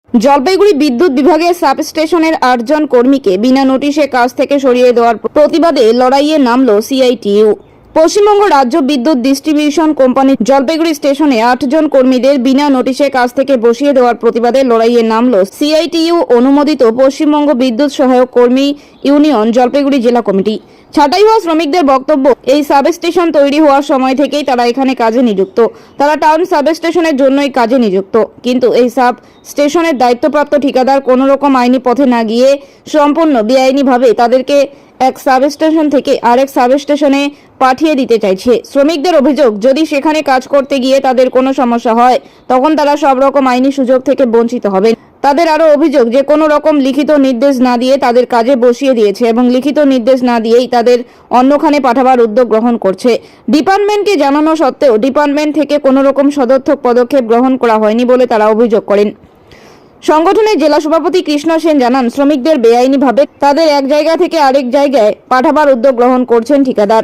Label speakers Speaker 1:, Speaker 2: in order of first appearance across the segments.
Speaker 1: জলপাইগুড়ি বিদ্যুৎ বিভাগের সাবস্টেশনের 8 জন কর্মীকে বিনা নোটিশে কাজ থেকে সরিয়ে দেওয়ার প্রতিবাদে লড়াইয়ে নামল সিআইটিইউ। পশ্চিমবঙ্গ রাজ্য বিদ্যুৎ ডিস্ট্রিবিউশন কোম্পানি জলপাইগুড়ি স্টেশনে 8 জন কর্মীদের বিনা নোটিশে কাজ থেকে বসিয়ে দেওয়ার প্রতিবাদে লড়াইয়ে নামল সিআইটিইউ অনুমোদিত পশ্চিমবঙ্গ বিদ্যুৎ সহায়ক কর্মী ইউনিয়ন জলপাইগুড়ি জেলা কমিটি। ছাঁটাই হওয়া শ্রমিকদের বক্তব্য, এই সাবস্টেশন তৈরি হওয়ার সময় থেকেই তারা এখানে কাজে নিযুক্ত। তারা টাউন সাবস্টেশনের জন্যই কাজে নিযুক্ত, কিন্তু এই সাব স্টেশনের দায়িত্বপ্রাপ্ত ঠিকাদার কোনো রকম আইনি পথে না গিয়ে সম্পূর্ণ বেআইনিভাবে তাদেরকে এক সাবস্টেশন থেকে আরেক সাবস্টেশনে পাঠিয়ে দিতে চাইছে। শ্রমিকদের অভিযোগ, যদি সেখানে কাজ করতে গিয়ে তাদের কোনো সমস্যা হয় তখন তারা সব রকম আইনি সুযোগ থেকে বঞ্চিত হবেন। তাদের আরও অভিযোগ যে কোনো রকম লিখিত নির্দেশ না দিয়ে তাদের কাজে বসিয়ে দিয়েছে এবং লিখিত নির্দেশ না দিয়েই তাদের অন্যখানে পাঠাবার উদ্যোগ গ্রহণ করছে। ডিপার্টমেন্টকে জানানো সত্ত্বেও ডিপার্টমেন্ট থেকে কোনো রকম সদর্থক পদক্ষেপ গ্রহণ করা হয়নি বলে তারা অভিযোগ করেন। সংগঠনের জেলা সভাপতি কৃষ্ণ সেন জানান, শ্রমিকদের বেআইনিভাবে তাদের এক জায়গা থেকে আরেক জায়গায় পাঠাবার উদ্যোগ গ্রহণ করছেন ঠিকাদার।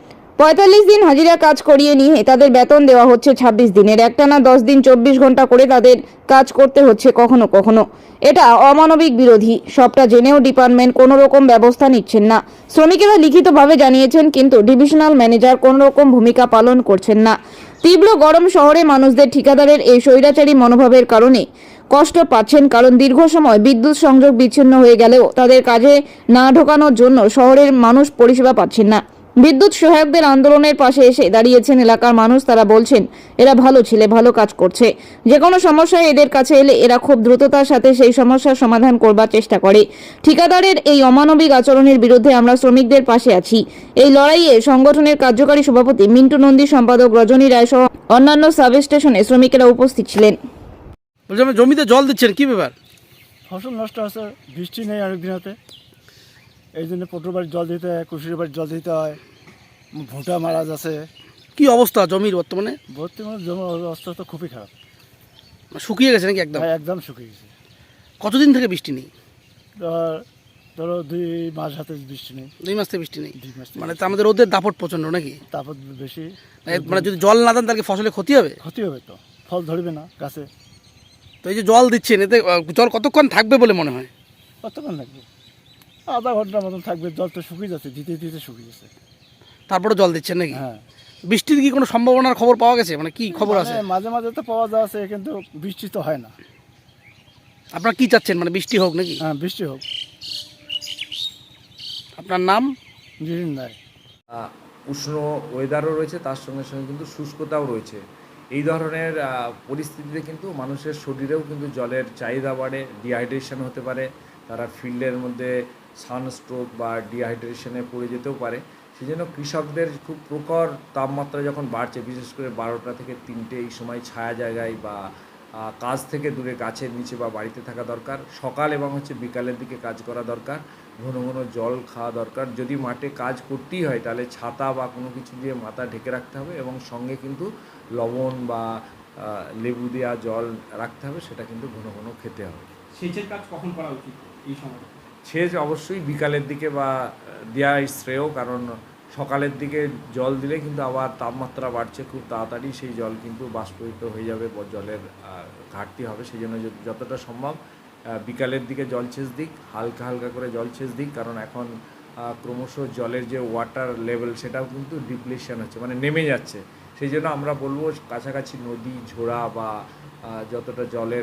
Speaker 1: 45 দিন হাজিরা কাজ করিয়ে নিয়ে তাদের বেতন দেওয়া হচ্ছে 26 দিনের। একটানা 10 দিন 24 ঘন্টা করে তাদের কাজ করতে হচ্ছে কখনো কখনো। এটা অমানবিক বিরোধী। সবটা জেনেও ডিপার্টমেন্ট কোনো রকম ব্যবস্থা নিচ্ছেন না। শ্রমিকেরা লিখিতভাবে জানিয়েছেন, কিন্তু ডিভিশনাল ম্যানেজার কোনো রকম ভূমিকা পালন করছেন না। তীব্র গরম শহরে মানুষদের ঠিকাদারের এই স্বৈরাচারী মনোভাবের কারণে কষ্ট পাচ্ছেন, কারণ দীর্ঘ সময় বিদ্যুৎ সংযোগ বিচ্ছিন্ন হয়ে গেলেও তাদের কাজে না ঢোকানোর জন্য শহরের মানুষ পরিষেবা পাচ্ছেন না। বিদ্যুৎ সহায়কদের আন্দোলনের পাশে এসে দাঁড়িয়েছেন এলাকার মানুষ। তারা বলছেন, এরা ভালো ছেলে, ভালো কাজ করছে। যে কোনো সমস্যায় এদের কাছে এলে এরা খুব দ্রুততার সাথে সেই সমস্যার সমাধান করবার চেষ্টা করে। ঠিকাদারের এই অমানবিক আচরণের বিরুদ্ধে আমরা শ্রমিকদের পাশে আছি। এই লড়াইয়ে সংগঠনের কার্যকারী সভাপতি মিন্টু নন্দী, সম্পাদক রজনী রায় সহ অন্যান্য সাবস্টেশনে শ্রমিকেরা উপস্থিত ছিলেন।
Speaker 2: জমিতে জল দিচ্ছেন, কি ব্যাপার?
Speaker 3: ফসল নষ্ট আছে, বৃষ্টি নেই অনেক দিনতে, এই জন্য পটুর বাড়ির জল দিতে হয়, কুশির বাড়ির জল দিতে হয়, ভুঁটা মারা যাচ্ছে।
Speaker 2: কি অবস্থা জমির বর্তমানে?
Speaker 3: জমির অবস্থা তো খুবই খারাপ,
Speaker 2: শুকিয়ে গেছে নাকি একদম?
Speaker 3: একদম শুকিয়ে গেছে।
Speaker 2: কতদিন থেকে বৃষ্টি নেই?
Speaker 3: ধরো 2 মাস হাতে বৃষ্টি নেই।
Speaker 2: 2 মাস থেকে বৃষ্টি নেই,
Speaker 3: 2 মাস
Speaker 2: মানে তো আমাদের রোদের দাপট প্রচন্ড নাকি?
Speaker 3: তারপর বেশি,
Speaker 2: মানে যদি জল না দেন তাহলে ফসলে ক্ষতি হবে?
Speaker 3: ক্ষতি হবে, তো ফল ধরবে না গাছে।
Speaker 2: তো এই যে জল দিচ্ছেন, এতে জল কতক্ষণ থাকবে বলে মনে হয়?
Speaker 3: কতক্ষণ লাগবে? আধা ঘন্টার মতন থাকবে। জল তো শুকিয়ে যাচ্ছে, দিতে দিতে শুকিয়ে যাচ্ছে।
Speaker 2: তারপরে জল দিচ্ছেন নাকি?
Speaker 3: হ্যাঁ।
Speaker 2: বৃষ্টির কি কোনো সম্ভাবনার খবর পাওয়া গেছে? মানে কি খবর আছে?
Speaker 3: মাঝে মাঝে তো পাওয়া যাচ্ছে, কিন্তু বৃষ্টি তো হয় না।
Speaker 2: আপনারা কি চাচ্ছেন, মানে বৃষ্টি হোক নাকি?
Speaker 3: হ্যাঁ, বৃষ্টি হোক।
Speaker 2: আপনার নাম?
Speaker 3: জিরিন রায়।
Speaker 4: উষ্ণ ওয়েদারও রয়েছে, তার সঙ্গে সঙ্গে কিন্তু শুষ্কতাও রয়েছে। এই ধরনের পরিস্থিতিতে কিন্তু মানুষের শরীরেও কিন্তু জলের চাহিদা বাড়ে, ডিহাইড্রেশন হতে পারে, তারা ফিল্ডের মধ্যে সানস্ট্রোক বা ডিহাইড্রেশনে পড়ে যেতেও পারে। সেই জন্য কৃষকদের খুব প্রখর তাপমাত্রা যখন বাড়ছে, বিশেষ করে 12টা থেকে 3টে এই সময় ছায়া জায়গায় বা কাজ থেকে দূরে গাছের নিচে বা বাড়িতে থাকা দরকার। সকাল এবং বিকালের দিকে কাজ করা দরকার। ঘন ঘন জল খাওয়া দরকার। যদি মাঠে কাজ করতেই হয় তাহলে ছাতা বা কোনো কিছু দিয়ে মাথা ঢেকে রাখতে হবে এবং সঙ্গে কিন্তু লবণ বা লেবু দেওয়া জল রাখতে হবে, সেটা কিন্তু ঘন ঘন খেতে হবে।
Speaker 5: সেচের কাজ কখন করা উচিত এই সময়?
Speaker 4: সেচ অবশ্যই বিকালের দিকে বা দেওয়াই শ্রেয়, কারণ সকালের দিকে জল দিলে কিন্তু আবার তাপমাত্রা বাড়ছে খুব তাড়াতাড়ি, সেই জল কিন্তু বাষ্পীভূত হয়ে যাবে, জলের ঘাটতি হবে। সেই জন্য যতটা সম্ভব বিকালের দিকে জলসেচ দিক, হালকা হালকা করে জলসেচ দিক, কারণ এখন ক্রমশ জলের যে ওয়াটার লেভেল সেটাও কিন্তু ডিপ্লেশন হচ্ছে, মানে নেমে যাচ্ছে। সেই জন্য আমরা বলবো কাছাকাছি নদী, ঝোড়া বা যতটা জলের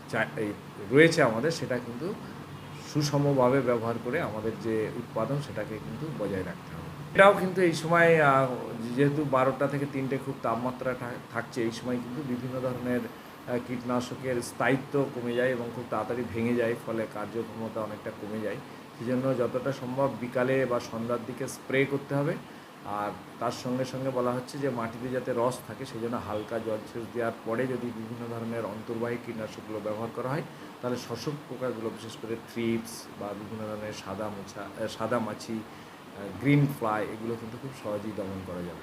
Speaker 4: রয়েছে আমাদের, সেটা কিন্তু সুষমভাবে ব্যবহার করে আমাদের যে উৎপাদন সেটাকে কিন্তু বজায় রাখতে হবে। এটাও কিন্তু এই সময় যেহেতু 12টা থেকে 3টে খুব তাপমাত্রা থাকছে, এই সময় কিন্তু বিভিন্ন ধরনের কীটনাশকের স্থায়িত্ব কমে যায় এবং খুব তাড়াতাড়ি ভেঙে যায়, ফলে কার্যক্ষমতা অনেকটা কমে যায়। সেই জন্য যতটা সম্ভব বিকালে বা সন্ধ্যার দিকে স্প্রে করতে হবে। আর তার সঙ্গে সঙ্গে বলা হচ্ছে যে মাটিতে যাতে রস থাকে, সেই জন্য হালকা জলসেচ দেওয়ার পরে যদি বিভিন্ন ধরনের অন্তর্বাহী কীটনাশকগুলো ব্যবহার করা হয়, তাহলে শোষক পোকাগুলো, বিশেষ করে থ্রিপস বা বিভিন্ন ধরনের সাদা মাছি, গ্রিন ফ্লাই, এগুলো কিন্তু খুব সহজেই দমন করা যাবে।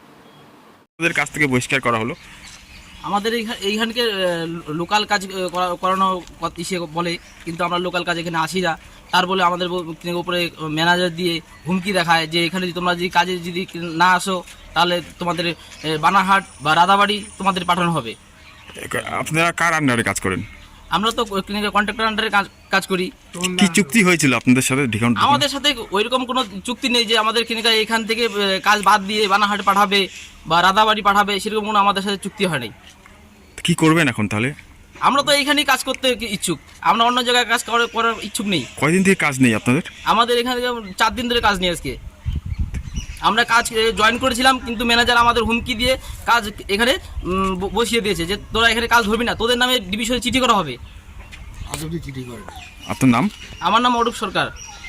Speaker 6: ওদের কাছ থেকে বহিষ্কার করা হলো।
Speaker 7: আমাদের এইখানকে লোকাল কাজ করানো ইসে বলে, কিন্তু আমরা লোকাল কাজ এখানে আসি না। তার বলে আমাদের উপরে ম্যানেজার দিয়ে হুমকি দেখায় যে এখানে তোমরা যদি কাজে যদি না আসো তাহলে তোমাদের বানারহাট বা রাধাবাড়ি তোমাদের পাঠানো হবে।
Speaker 6: আপনারা কার আন্ডারে কাজ করেন?
Speaker 7: আমরা তো কন্ট্রাক্টর আন্ডারে কাজ করি।
Speaker 6: কি চুক্তি হয়েছিল আপনাদের সাথে ডিসকাউন্ট?
Speaker 7: আমাদের সাথে ওইরকম কোনো চুক্তি নেই যে আমাদের এখান থেকে কাজ বাদ দিয়ে বানাহাট পাঠাবে বা রাধাবাড়ি পাঠাবে, সেরকম কোনো আমাদের সাথে চুক্তি হয় নাই।
Speaker 6: কি করবেন এখন তাহলে?
Speaker 7: আমরা তো এইখানেই কাজ করতে ইচ্ছুক, আমরা অন্য জায়গায় কাজ করার ইচ্ছুক নেই।
Speaker 6: কয়দিন থেকে কাজ নেই আপনাদের?
Speaker 7: আমাদের এখানে 4 দিন ধরে কাজ নেই। আজকে আমরা কাজ জয়েন করেছিলাম, কিন্তু ম্যানেজার আমাদের হুমকি দিয়ে কাজ এখানে বসিয়ে দিয়েছে যে তোরা এখানে কাজ ধরবি না, তোদের নামে ডিভিশনে চিঠি করা হবে।
Speaker 6: আপনার নাম?
Speaker 7: আমার নাম অরূপ সরকার।